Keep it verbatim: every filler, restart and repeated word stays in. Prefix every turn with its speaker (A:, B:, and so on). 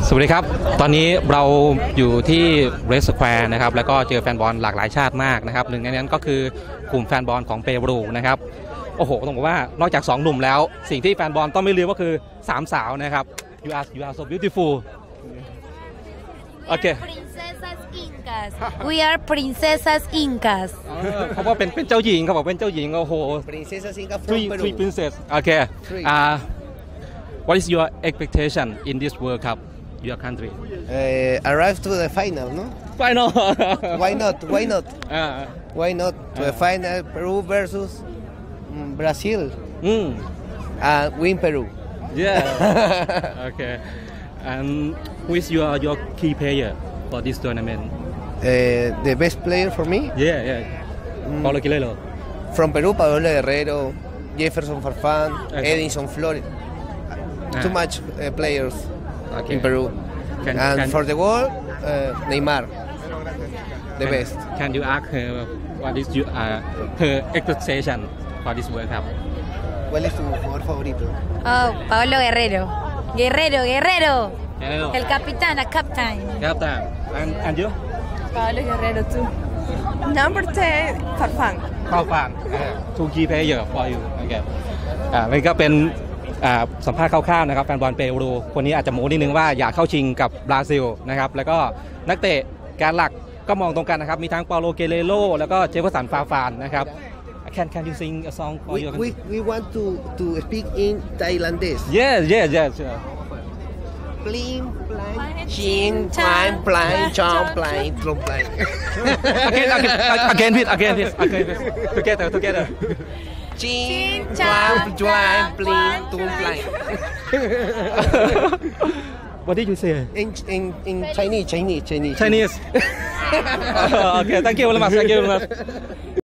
A: สวัสดีครับตอนนี้เราอยู่ที่เรสแควร์นะครับแล้วก็เจอแฟนบอลหลากหลายชาติมากนะครับหนึ่งในนั้นก็คือกลุ่มแฟนบอลของเปรูนะครับโอ้โหต้องบอกว่านอกจากสองหนุ่มแล้วสิ่งที่แฟนบอลต้องไม่ลืมก็คือสามสาวนะครับ you are you are so beautiful โอเค
B: Princesas Incas we are princesas Incas
A: เขาบอกเป็นเป็นเจ้าหญิงเขาบอกเป็นเจ้าหญิงโอ้โห
C: Princesas Incas from
A: three
C: Peru.
A: three princess โอเค uh what is your expectation in this World Cup your country
C: Uh, arrive to the final, no?
A: final
C: Why not? Why not?
A: uh,
C: Why not to the
A: Uh.
C: final? Peru versus mm, Brazil,
A: mm,
C: and win Peru.
A: yeah okay and who is your your key player for this tournament
C: Uh, the best player for me
A: yeah yeah
C: Mm.
A: Paulo Quilelo
C: from Peru: Pablo Guerrero, Jefferson Farfán,
A: Okay.
C: Edinson Flores.
A: Ah.
C: Too much uh, players
A: okay
C: in Peru.
A: Can-
C: and
A: can-
C: for the world, uh, Neymar, the
A: Can-
C: best.
A: Can you ask her what is your, uh, her expectation for this World Cup?
C: ¿Cuál es tu jugador favorito?
B: oh Pablo Guerrero Guerrero Guerrero
A: Hello.
B: el capitán a captain
A: Captain. And and you?
D: Pablo Guerrero too. Number ten, Farfán.
A: เข้าฟัง two key player for you โอเคอ่านี่ก็เป็นอ่าสัมภาษณ์คร่าวๆนะครับแฟนบอลเปรูคนนี้อาจจะโม้นิดนึงว่าอยากเข้าชิงกับบราซิลนะครับแล้วก็นักเตะการหลักก็มองตรงกันนะครับมีทั้งเปาโลเกเรโรแล้วก็เจฟเฟอร์สันฟาฟานนะครับ Can can you sing a song for
C: We,
A: your
C: we, we want to, to speak in Thailandese.
A: Yes yes yes sure.
C: Plim, plan, chin, plan, plan, chom, plan, trom, plan.
A: again again again please again please again please together together
C: Chin, plan, plan, plan, trom, plan.
A: What did you say
C: In, in, in Chinese, Chinese, Chinese.
A: Chinese okay thank you very much thank you very much